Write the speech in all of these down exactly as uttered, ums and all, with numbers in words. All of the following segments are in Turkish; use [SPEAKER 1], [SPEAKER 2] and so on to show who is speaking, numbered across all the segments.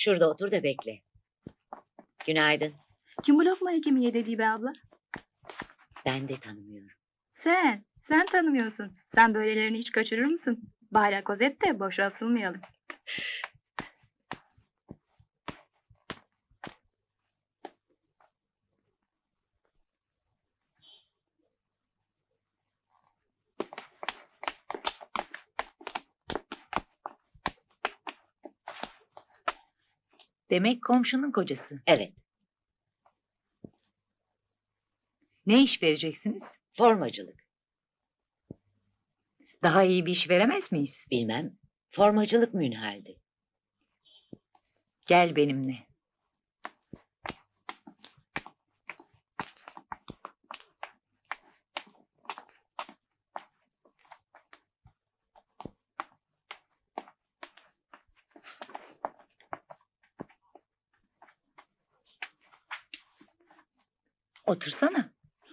[SPEAKER 1] Şurada otur da bekle. Günaydın.
[SPEAKER 2] Kim bu lokma hekimi dediği be abla?
[SPEAKER 1] Ben de tanımıyorum.
[SPEAKER 2] Sen, sen tanımıyorsun. Sen böylelerini hiç kaçırır mısın? Bari kozet de boşa asılmayalım.
[SPEAKER 3] Demek komşunun kocası.
[SPEAKER 1] Evet,
[SPEAKER 3] Ne iş vereceksiniz?
[SPEAKER 1] formacılık.
[SPEAKER 3] Daha iyi bir iş veremez miyiz?
[SPEAKER 1] Bilmem, formacılık münhaldi.
[SPEAKER 3] Gel benimle. Otursana.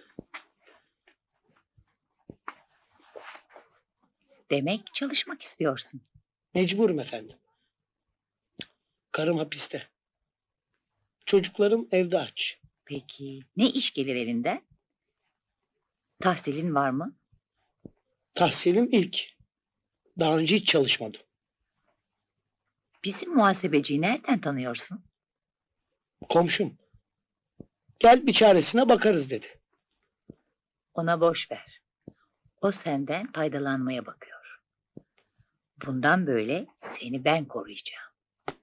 [SPEAKER 3] Demek çalışmak istiyorsun.
[SPEAKER 4] Mecburum efendim. Karım hapiste. Çocuklarım evde aç.
[SPEAKER 3] Peki ne iş gelir elinden? Tahsilin var mı?
[SPEAKER 4] Tahsilim ilk. Daha önce hiç çalışmadım.
[SPEAKER 3] Bizim muhasebeciyi nereden tanıyorsun?
[SPEAKER 4] Komşum. Gel bir çaresine bakarız dedi.
[SPEAKER 3] Ona boş ver. O senden faydalanmaya bakıyor. Bundan böyle seni ben koruyacağım.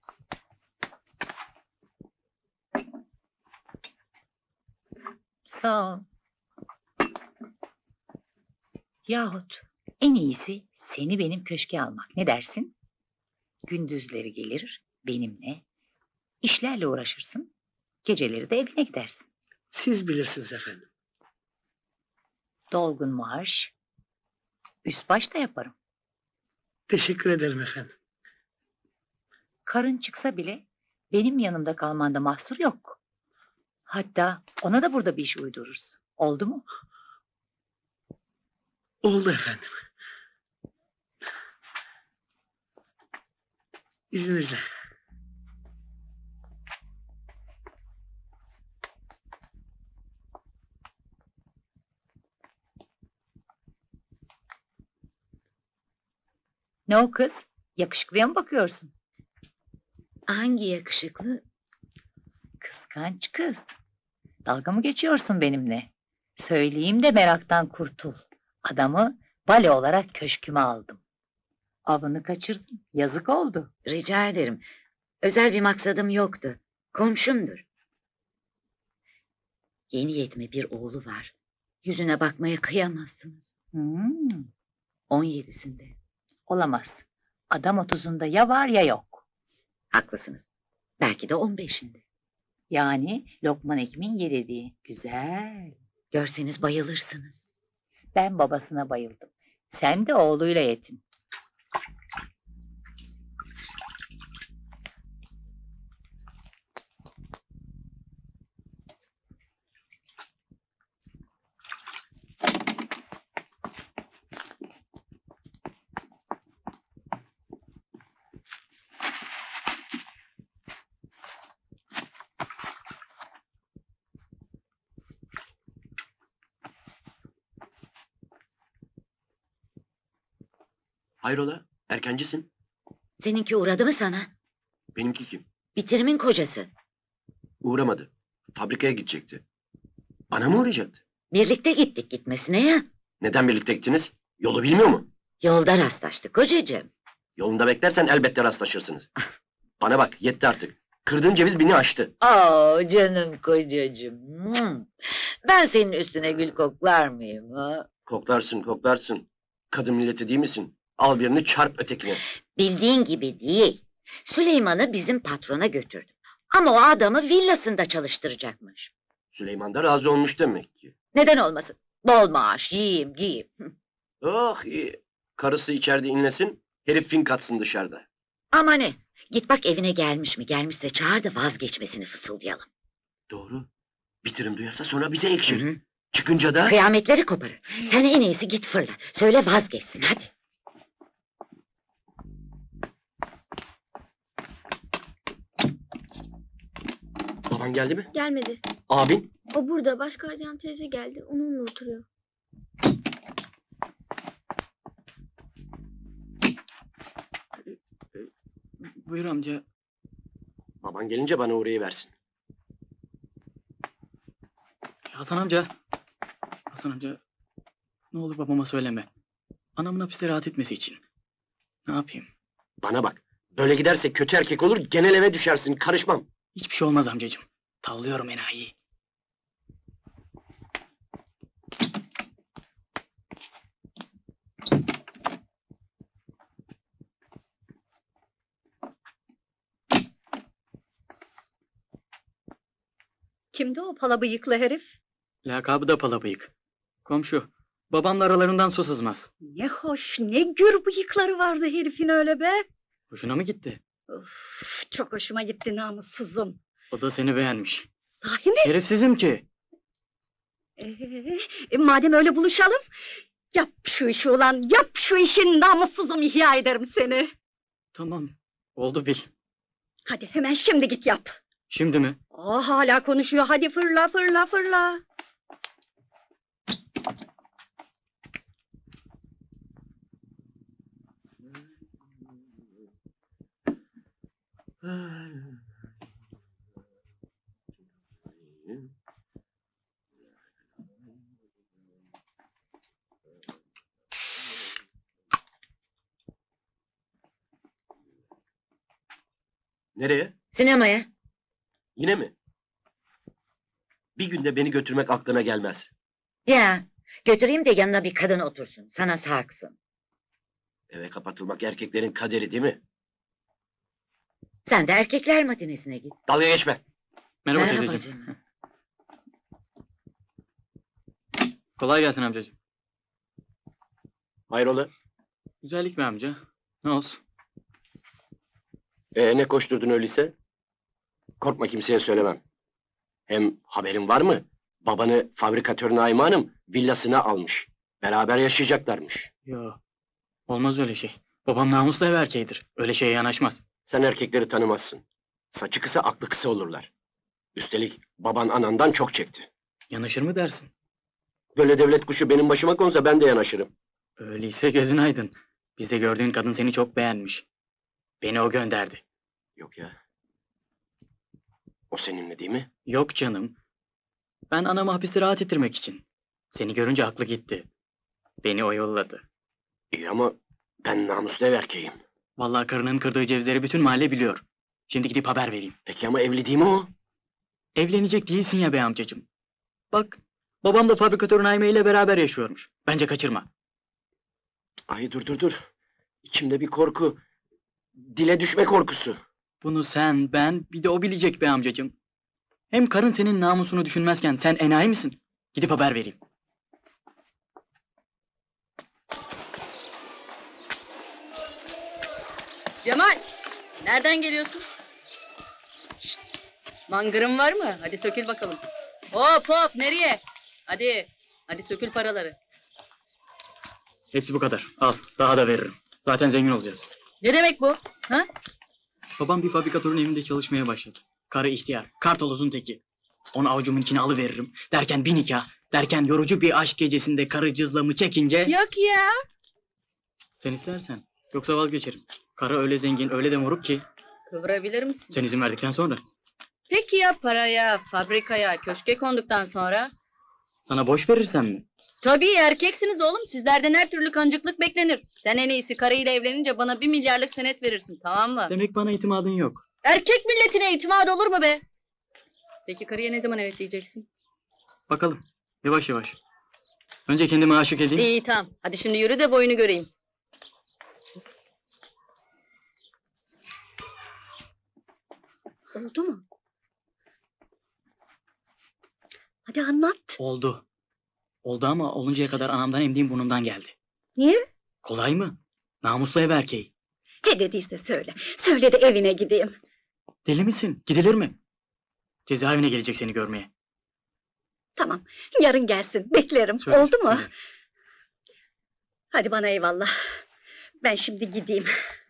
[SPEAKER 3] Sağ ol. Yahut en iyisi seni benim köşke almak. Ne dersin? Gündüzleri gelir benimle, işlerle uğraşırsın, geceleri de evine gidersin.
[SPEAKER 4] Siz bilirsiniz efendim.
[SPEAKER 3] Dolgun maaş, üst baş da yaparım.
[SPEAKER 4] Teşekkür ederim efendim.
[SPEAKER 3] Karın çıksa bile benim yanımda kalmanda mahsur yok. Hatta ona da burada bir iş uydururuz. Oldu mu?
[SPEAKER 4] Oldu efendim. İzninizle.
[SPEAKER 3] Ne o kız? Yakışıklıya mı bakıyorsun?
[SPEAKER 1] Hangi yakışıklı?
[SPEAKER 3] Kıskanç kız. Dalga mı geçiyorsun benimle? Söyleyeyim de meraktan kurtul. Adamı bale olarak köşküme aldım. Avını kaçırdım. Yazık oldu.
[SPEAKER 1] Rica ederim. Özel bir maksadım yoktu. Komşumdur. Yeni yetme bir oğlu var. Yüzüne bakmaya kıyamazsınız.
[SPEAKER 3] Hmm,
[SPEAKER 1] On yedisinde.
[SPEAKER 3] olamaz. Adam otuzunda ya var ya yok.
[SPEAKER 1] Haklısınız. Belki de on beşinde.
[SPEAKER 3] Yani Lokman Hekim'in yediği. Güzel.
[SPEAKER 1] Görseniz bayılırsınız.
[SPEAKER 3] Ben babasına bayıldım. Sen de oğluyla yetin.
[SPEAKER 5] Hayrola? Erkencisin.
[SPEAKER 1] Seninki uğradı mı sana?
[SPEAKER 5] Benimki kim?
[SPEAKER 1] Bitirimin kocası.
[SPEAKER 5] Uğramadı. Fabrikaya gidecekti. Bana mı uğrayacaktı?
[SPEAKER 1] Birlikte gittik gitmesine ya.
[SPEAKER 5] Neden birlikte gittiniz? Yolu bilmiyor mu?
[SPEAKER 1] Yolda rastlaştık kocacığım.
[SPEAKER 5] Yolunda beklersen elbette rastlaşırsınız. Bana bak, yetti artık. Kırdığın ceviz beni aştı.
[SPEAKER 1] Aa canım kocacığım. Hmm. Ben senin üstüne gül koklar mıyım ha?
[SPEAKER 5] Koklarsın, koklarsın. Kadın milleti değil misin? Al birini çarp ötekine.
[SPEAKER 1] Bildiğin gibi değil. Süleyman'ı bizim patrona götürdüm. Ama o adamı villasında çalıştıracakmış.
[SPEAKER 5] Süleyman da razı olmuş demek ki.
[SPEAKER 1] Neden olmasın? Bol maaş, yiyeyim, giyeyim.
[SPEAKER 5] Oh iyi. Karısı içeride inlesin, herif fink atsın dışarıda.
[SPEAKER 1] Ama ne? Git bak evine gelmiş mi? Gelmişse çağır da vazgeçmesini fısıldayalım.
[SPEAKER 5] Doğru. Bitirim duyarsa sonra bize ekşir.
[SPEAKER 1] Hı hı.
[SPEAKER 5] Çıkınca da...
[SPEAKER 1] Kıyametleri koparır. Sen en iyisi git fırla. Söyle vazgeçsin hadi.
[SPEAKER 5] Baban geldi mi?
[SPEAKER 6] Gelmedi.
[SPEAKER 5] Abin?
[SPEAKER 6] O burada. Baş gardiyan teyze geldi. Onunla oturuyor.
[SPEAKER 7] Buyur amca.
[SPEAKER 5] Baban gelince bana uğrayıversin.
[SPEAKER 7] Hasan amca. Hasan amca. Ne olur babama söyleme. Anamın hapiste rahat etmesi için. Ne yapayım?
[SPEAKER 5] Bana bak. Böyle giderse kötü erkek olur, genel eve düşersin. Karışmam.
[SPEAKER 7] Hiçbir şey olmaz amcacığım. Tavlıyorum enayiyi.
[SPEAKER 3] Kimdi o pala bıyıklı herif?
[SPEAKER 7] Lakabı da palabıyık. Komşu. Babamla aralarından su sızmaz.
[SPEAKER 3] Ne hoş, ne gür bıyıkları vardı herifin öyle be.
[SPEAKER 7] Hoşuna mı gitti?
[SPEAKER 3] Of, çok hoşuma gitti namussuzum.
[SPEAKER 7] O da seni beğenmiş.
[SPEAKER 3] Sahi mi?
[SPEAKER 7] Şerefsizim ki.
[SPEAKER 3] Ee, e, madem öyle buluşalım, yap şu işi ulan, yap şu işin namussuzum, ihya ederim seni.
[SPEAKER 7] Tamam. Oldu bil.
[SPEAKER 3] Hadi hemen şimdi git yap.
[SPEAKER 7] Şimdi mi?
[SPEAKER 3] Aa, hala konuşuyor, hadi fırla fırla fırla.
[SPEAKER 5] Nereye?
[SPEAKER 1] Sinemaya.
[SPEAKER 5] Yine mi? Bir günde beni götürmek aklına gelmez.
[SPEAKER 1] Ya götüreyim de yanına bir kadın otursun. Sana sarksın.
[SPEAKER 5] Eve kapatılmak erkeklerin kaderi değil mi?
[SPEAKER 1] Sen de erkekler matinesine git.
[SPEAKER 5] Dalga geçme.
[SPEAKER 7] Merhaba,
[SPEAKER 1] Merhaba
[SPEAKER 7] teyzeciğim.
[SPEAKER 1] canım.
[SPEAKER 7] Kolay gelsin amcacığım.
[SPEAKER 5] Hayrola?
[SPEAKER 7] Güzellik mi amca? Ne olsun?
[SPEAKER 5] Ee, ne koşturdun öyleyse? Korkma, kimseye söylemem. Hem haberin var mı? Babanı fabrikatör Naime Hanım villasına almış. Beraber yaşayacaklarmış.
[SPEAKER 7] Yo. Olmaz öyle şey. Babam namuslu ev erkeğidir. Öyle şeye yanaşmaz.
[SPEAKER 5] Sen erkekleri tanımazsın. Saçı kısa, aklı kısa olurlar. Üstelik baban anandan çok çekti.
[SPEAKER 7] Yanaşır mı dersin?
[SPEAKER 5] Böyle devlet kuşu benim başıma konsa ben de yanaşırım.
[SPEAKER 7] Öyleyse gözün aydın. Bizde gördüğün kadın seni çok beğenmiş. Beni o gönderdi.
[SPEAKER 5] Yok ya. O seninle değil mi?
[SPEAKER 7] Yok canım. Ben anamı hapiste rahat ettirmek için. Seni görünce aklı gitti. Beni o yolladı.
[SPEAKER 5] İyi ama ben namuslu ev erkeğim.
[SPEAKER 7] Vallahi karının kırdığı cevizleri bütün mahalle biliyor. Şimdi gidip haber vereyim.
[SPEAKER 5] Peki ama evli değil mi o?
[SPEAKER 7] Evlenecek değilsin ya be amcacığım. Bak, babam da fabrikatör Naime ile beraber yaşıyormuş. Bence kaçırma.
[SPEAKER 5] Ay dur dur dur. İçimde bir korku. Dile düşme korkusu.
[SPEAKER 7] Bunu sen, ben, bir de o bilecek be amcacığım. Hem karın senin namusunu düşünmezken sen enayi misin? Gidip haber vereyim.
[SPEAKER 8] Cemal, nereden geliyorsun? Şşt, mangırın var mı? Hadi sökül bakalım. Hop hop, nereye? Hadi, hadi sökül paraları.
[SPEAKER 7] Hepsi bu kadar. Al, daha da veririm. Zaten zengin olacağız.
[SPEAKER 8] Ne demek bu? Ha?
[SPEAKER 7] Babam bir fabrikatörün evinde çalışmaya başladı. Karı ihtiyar, kartolozun teki. Onu avucumun içine alıveririm. Derken bir nikah, derken yorucu bir aşk gecesinde karı cızlamı çekince...
[SPEAKER 8] Yok ya.
[SPEAKER 7] Sen istersen, yoksa vazgeçerim. Karı öyle zengin, öyle de moruk ki...
[SPEAKER 8] Kıvırabilir misin?
[SPEAKER 7] Sen izin verdikten sonra...
[SPEAKER 8] Peki ya paraya, fabrikaya, köşke konduktan sonra?
[SPEAKER 7] Sana boş verirsem mi?
[SPEAKER 8] Tabii erkeksiniz oğlum. Sizlerden her türlü kancıklık beklenir. Sen en iyisi karıyla evlenince bana bir milyarlık senet verirsin, tamam mı?
[SPEAKER 7] Demek bana itimadın yok.
[SPEAKER 8] Erkek milletine itimat olur mu be? Peki karıya ne zaman evet diyeceksin?
[SPEAKER 7] Bakalım, yavaş yavaş. Önce kendime aşık edeyim.
[SPEAKER 8] İyi tamam. Hadi şimdi yürü de boyunu göreyim.
[SPEAKER 3] Oldu mu? Hadi anlat.
[SPEAKER 7] Oldu. Oldu ama oluncaya kadar anamdan emdiğim burnumdan geldi.
[SPEAKER 3] Niye?
[SPEAKER 7] Kolay mı? Namuslu ev erkeği.
[SPEAKER 3] Ne dediyse söyle. Söyle de evine gideyim.
[SPEAKER 7] Deli misin? Gidilir mi? Cezaevine gelecek seni görmeye.
[SPEAKER 3] Tamam, yarın gelsin. Beklerim.
[SPEAKER 7] Söyle,
[SPEAKER 3] Oldu mu?
[SPEAKER 7] söyle.
[SPEAKER 3] Hadi bana eyvallah. Ben şimdi gideyim.